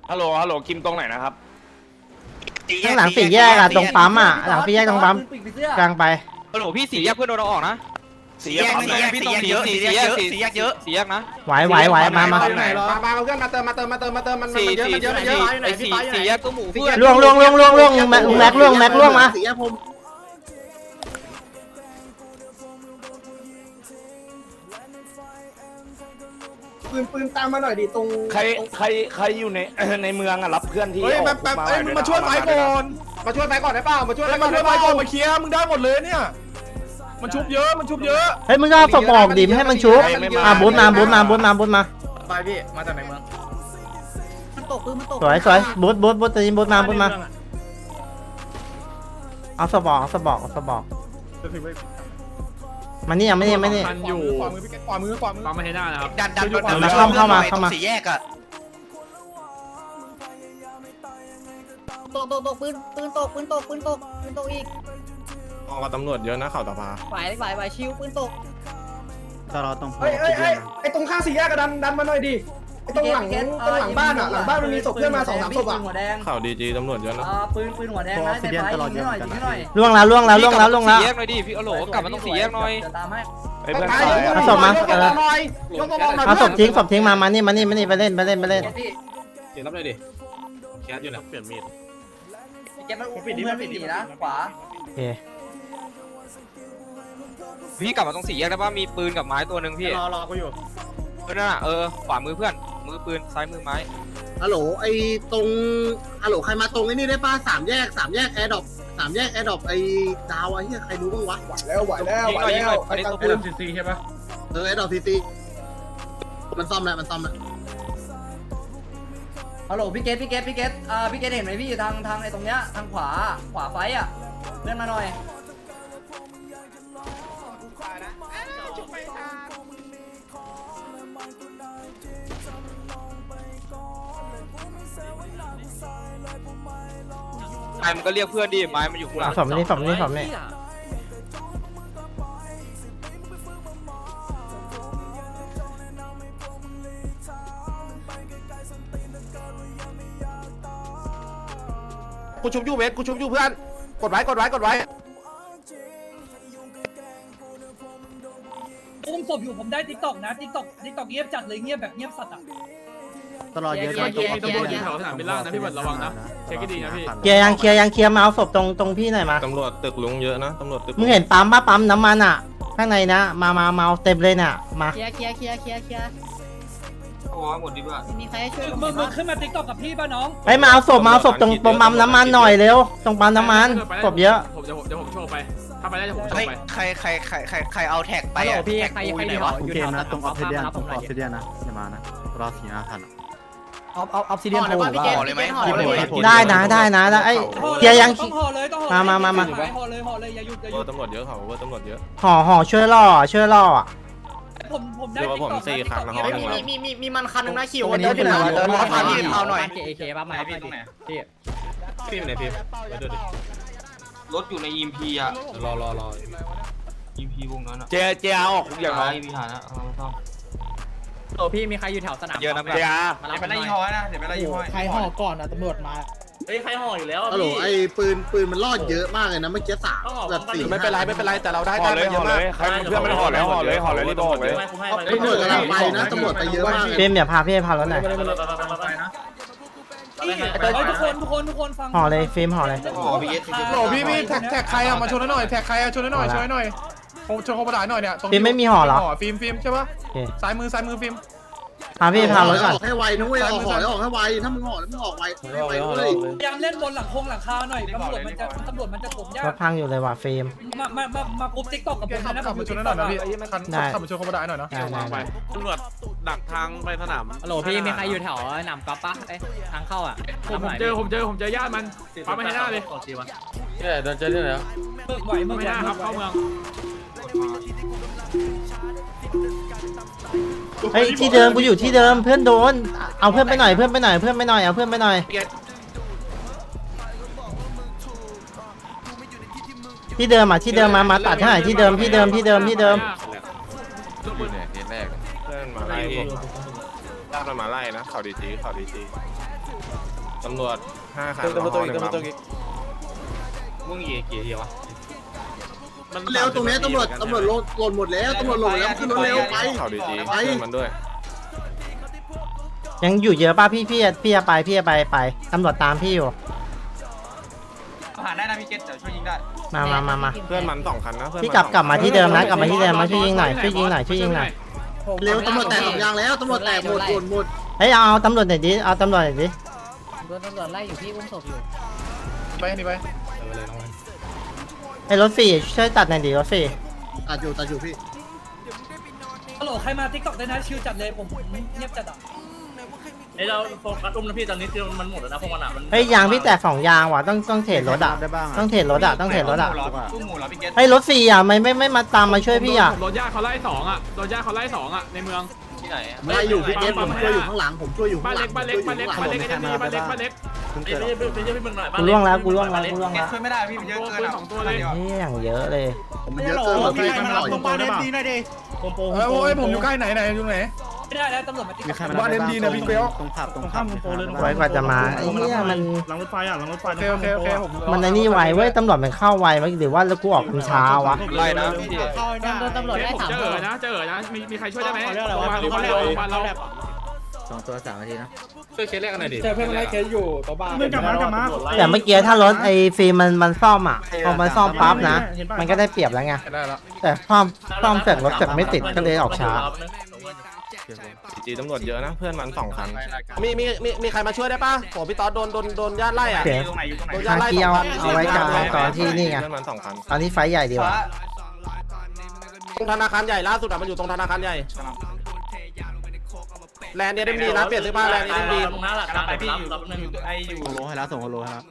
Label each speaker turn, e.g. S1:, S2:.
S1: ฮัลโหลคิมตรงไหนนะครับ
S2: ข้างหลังสี่แยกอะตรงปั๊มอะหลังสี่แยกตรงปั๊มกลางไป
S3: ฮัลโหลพี่สี่แยกเพื่อนโดนเราออกนะ
S1: สี่แยกเยอะ
S3: สี่แยกนะ
S2: ไหวมา
S4: มาเพื่อนมาเติมมันเยอะ
S3: สี่แยกตัวหมูเพื่อน
S2: ล่วงแม็กล่วงมา
S4: ปืนตามมาหน่อยดิตรง
S1: ใครอยู่ในในเมืองอะรับเพื่อนที่
S4: เฮ้ยแบบมึงมาช่วยไฟก่อนมาช่วยไฟก่อนได้เปล่ามาช่วยไฟก่อนมาเคลียร์มึงได้หมดเลยเนี่ยมันชุบเยอะ
S2: เฮ้ยมึงก็ศพออกดิไม่ให้มันชุบบูทมา
S4: ไปพี่มาจากไหนเมือง
S5: มันตกปืนมันตก
S2: สวยบูทตีบูทมาเอาศพออกมานี่ไม่นี่
S4: อยู่ขวามือปั๊มมาให้หน้านะครับ
S3: ดัน
S2: เข้ามา
S3: สี่แยกอะ
S5: ตกปืนตกอีก
S6: ออกกับตำรวจเยอะนะข่าวตาพา
S5: ฝ่ายชิวปืนตก
S7: ตลอดต้อง
S4: เฮ้ยไอ้ตรงข้างสี่แยกก็ดันมาหน่อยดิไอ้ตรงหลังบ้านอ่ะหลังบ้านมันมีศพเพื่อนมา2-3ศพอ่ะ
S5: หัวแดง
S6: ข่าวดีจีตำรวจเยอะนะ
S5: ปืนหัวแดงนะในไฟยิงหน่อย
S2: ล่วงแล้ว
S3: สี่แยกหน่อยดิพี่ฮัลโหลกลับมาต้องสี่แยกหน่อย
S5: จะตามให้
S1: ไอ้เพื่อน
S2: เอาศพมาเอาศพทิ้งมานี่ไปเล่น
S4: เดี๋ยวรับเลยดิแคสอยู่นะเปลี่ยนมีด
S5: เก็บมันอุ้มเพื่อนไม่ดีนะขวา
S2: โอเค
S3: พี่กลับมาตรงสี่แยกได้ป่ะมีปืนกับไม้ตัวหนึ่งพี่
S4: รอกูอยู่
S3: นั่นน่ะขวามือเพื่อนมือปืนซ้ายมือไม้
S7: ฮัลโหลไอ้ตรงฮัลโหลใครมาตรงไอ้นี่ได้ป่ะสามแยกแอร์ดรอปไอ้ดาวไอ้เหี้ยใครรู้บ้างวะ
S4: ไหวแล้ว
S3: อันนี้ตัว
S4: ปื
S3: ปื
S4: น
S3: น
S4: ซีใช่ปะ
S7: แอร์ดรอปซีมันซ่อมแล้ว
S5: ฮัลโหลพี่เกตพี่เกตเห็นไหมพี่ทางไอ้ตรงเนี้ยทางขวาไฟอ่ะเลื่อนมาหน่อย
S3: ไม้มันก็เรียกเพื่อนดิไม้มันอยู่ข้างหลัง
S2: ศพนี่
S4: กูชุบยูเวสกูชุบยูเพื่อนกดไว้
S8: อุ้มศพอยู่ผมได้ติ๊กต็อกนะติ๊กต็อกเงียบจัดเลยเงียบแบบเงียบสัตว์อ่ะ
S7: ตลอดเยอะ
S4: ตำรวจอยู่แถวสนามบินล่างนะพี่เบิร์ดระวังนะเช็คให้ดีนะพี่
S2: เคลียร์มาเอาศพตรงพี่หน่อยมา
S6: ตำรวจตึกลุงเยอะนะตำรวจตึก
S2: มึงเห็นปั๊มน้ำมันอ่ะข้างในนะมาเอาเต็มเลยเนี่ยมา
S5: เคลียร์
S3: โอ้หมดดีกว่า
S5: มีใครให้ช่วย
S8: มึงขึ้นมาติ๊กต็อกกับพี่ป่ะน้อง
S2: ไปมาเอาศพตรงปั๊มน้ำมันหน่อยเร็วตรงปั๊มน้ำมันศพเยอะ
S4: เดี๋ยวผมโชว์ไปถ้าไปได้จะผมโช
S3: เฮ้ย
S4: ว์ไป
S3: ใครเอาแท็กไปอ่ะแท็กกูอยู่ไหนวะ
S7: โอเคนะตรงออฟซิเดียนนะอย่ามานะรอ4 5 ทัน
S5: ออฟซิเดียนโผล่
S3: ห่อเลยไหมห่อเลย
S2: ได้นะไอ้เคลียร์ยัง
S8: ต้องห่อเลยห่อเลยอย่าหยุด
S6: ตำรวจเยอะข่าวว่าตำรวจเยอะ
S2: ห่อช่วยล่ออ่ะ
S8: ผมได้
S6: เดี๋ยวผม4 ครั้งนะฮะ
S7: มีมันคันนึงนะคิว
S3: เดินที่ไหนวะเดินมาพาพี่เอาหน่อย
S5: เคป่ะมาพี่ตรงไหนพี่
S6: พี่ไหนพี่มาดูดิ
S3: รถอยู่ใน EMP อ่ะ
S6: รอ
S3: EMP วงนั้นอ่ะ
S1: เจอาออกทุกอย่างน้อง
S3: EMP หานะเอาซ่อม
S5: โอ้พี่มีใครอยู่แถวสนาม
S3: เยอะนะ
S1: เจอา
S5: มารับไปไล่ยี่ห้อนะเดี๋ยวไปไล่ยี่ห้อใครห่อก่อนนะตำรวจมาเฮ้ยใครห่ออยู่แล้ว
S7: ฮัลโหลไอ้ปืนมันรอดเยอะมากเลยนะเมื่อกี้3แบบ4
S4: ไม่เป็นไรแต่เราได้
S1: ห่อเลยใครเพื่อนมันห่อเลยรีบออกเลย
S7: ตำรวจกำลังไปนะตำรวจไปเยอะมาก
S2: เฟรมอย่าพาพี่พารถหน่อย
S8: ทุกคนฟัง
S2: ห่อเลยเฟรมห่อเลย
S4: โหพี่แท็กใครอะมาชนหน่อยแท็กใครอะชนหน่อยชนโคบดายหน่อยเนี่ย
S2: เฟรมไม่มีห่อเหรอ
S4: ฟิล์มใช่ปะซ้ายมือฟิล์ม
S2: พาพี่พารถก่อน
S7: ออกให้ไวนะเว้ยออกให้ไวถ้ามึงห่อแล้วมึงออกไวเลย
S8: พยายามเล่นบนหลังคาหน่อยตำรวจมันจะผมยาร ก
S2: ถพังอยู่เลยว่ะเฟรม
S8: มากรุ๊ปติ๊กต็อกกับผม
S4: ขับมาชนหน่อยนะพี่ขับมาชนโคบดายหน่อยเนาะ
S2: ได้
S6: ตำรวจดักทางไปสนาม
S5: ฮัลโหลพี่มีใครอยู่แถวหนามก๊อปปะทางเข้าอ่ะ
S4: ผมเจอญาติมันปั๊มให้หน้าเลย
S6: เดินเจอที่ไหน
S8: ไหวมึงไม่ได้ครับเข้าเมือง
S2: เฮ้ยที่เดิมกูอยู่ที่เดิมเพื่อนโดนเอาเพื่อนไปหน่อยเอาเพื่อนไปหน่อยที่เดิมมาตัดให้หน่อยที่เดิม
S6: อยู่เนี่ยทีแรกเพื่อนมาไล่ญาติมันมาไล่นะข่าวดีจีตำรวจ
S1: 5 คัน
S6: มึงกี่ทีวะ
S7: เร็วตรงนี้ตำรวจหล่นหมดแล้วตำรวจหล่นแล้วขึ้นรถเร็วไป
S1: เขาดี
S7: ไป
S1: มันด้วย
S2: ยังอยู่เยอะป่ะพี่จะไปตำรวจตามพี่อยู่
S3: ผ่านได้นะพี่เกตเดี๋ยวช่วยยิงได้
S2: มา
S1: เพื่อนมัน2 คันนะ
S2: พี่กลับมาที่เดิมนะกลับมาที่เดิมมาช่วยยิงหน่อยช่วยยิงหน่อย
S7: เร็วตำรวจแตก2 ยางแล้วตำรวจแตกหมด
S2: เฮ้ยเอาตำรวจหน่อยดิเอาตำรวจหน่อยดิ
S5: โดนตำรวจไล่อยู่พี่อุ้มศพอยู่
S4: ไปนี่ไป
S2: ไอ้รถ4ช่วยตัดหน่อยดิรถ4
S7: ตัดอยู่พี่
S8: ฮัลโหลใครมาทิกตอกได้นะชิวจัดเลยผมเงียบจัดอ่ะ
S3: ไอเราโฟกัสอุ้มนะพี่ตอนนี้มันหมดแล้วนะพวกมันอ่ะมัน
S2: เฮ้ยยางพี่แตก2 ยางว่ะต้องเทรดรถอ่ะต้องเทรดรถอ่ะ
S3: อุ้มหมูเหรอพี่เกต
S2: เฮ้ยรถ4อ่ะไม่มาตามมาช่วยพี่อ่ะ
S6: โดนญาติเขาไล่2อ่ะโดนญาติเขาไล่2อ่ะในเมือง
S3: ที่ไหน
S7: ไล่อยู่พี่เกผมช่วยอยู่ข้างหลังผมช่วยอยู่
S6: บ้า
S7: ข้าน งห
S6: เล็
S7: ลั
S6: ก
S7: ง
S6: บ้านเล็กบ้านเล็กบ้านเล็กไอ้นี่บ้านเล็กบ้านเล็ก
S3: ไปเยอะพี่มึงหน่อย
S2: กูล่วงแล้ว
S3: เกตช่วยไม่ได้พี่มันเยอะเกิน
S6: 2 ตัวเลย
S2: เฮ้ยอย่างเยอะเลย
S7: มันเยอะเกินหมดพี่มันหล่อย
S4: โอ้ยผมอยู่ใกล้ไหนอยู่ไหน
S8: ไม่ได้แล้วตำรวจมาทิกตอก
S4: บ้านเอ็มดีเนี่ยพี่เปียว
S2: ไว้กว่าจะมาไอ้เนี่ยมัน
S4: โอเคผม
S2: มันไอ้นี่ไวเว้ยตำรวจมันเข้าไวมั้ยหรือว่าแล้วกูออกช้าวะ
S3: ไล่นะพี่
S5: โดนตำรวจไล่
S6: ผม
S5: 3
S6: เจ
S5: ค
S6: อน นะมีใครช่วยได้ไหมโรงพยาบาลเรา
S2: 2 ตัว 3 นาทีนะ
S6: ช่วยเคสแรกกันหน่อยดิ
S4: เจอเพื่อนมาไล่เคสอยู่ตัวบ้าน
S8: กลับมา
S2: แต่เมื่อกี้ถ้ารถไอ้ฟิล์มมันซ่อมอ่ะพอมันซ่อมปั๊บนะมันก็ได้เปรียบแล้วไง
S4: ได้แล้ว
S2: แต่ซ่อมเสร็จรถเสร็จไม่ติดก็เลยออกช้า
S1: จีตำรวจเยอะนะเพื่อนมัน2 คัน
S6: มีใครมาช่วยได้ป่ะโหพี่ต๊อดโดนญาติไล่อ่ะ
S2: เสียงทางเกียวเอาไว้กลางตอนที่นี่ไง
S1: เพื่อนมัน2 คัน
S2: ตอนที่ไฟท์ใหญ่ดีกว่า
S6: ตรงธนาคารใหญ่ล่าสุดมันอยู่ตรงธนาคารใหญ่แลนด์เนี่ยได้ดีนะเปลี่ยนเสื้อผ้าแลนด์เนี่ยได้ดี
S3: ตรงนั้นแหละกำลังไปพี่อยู่ไออยู่
S6: โลให้แล้วส่งโลให้แล้ว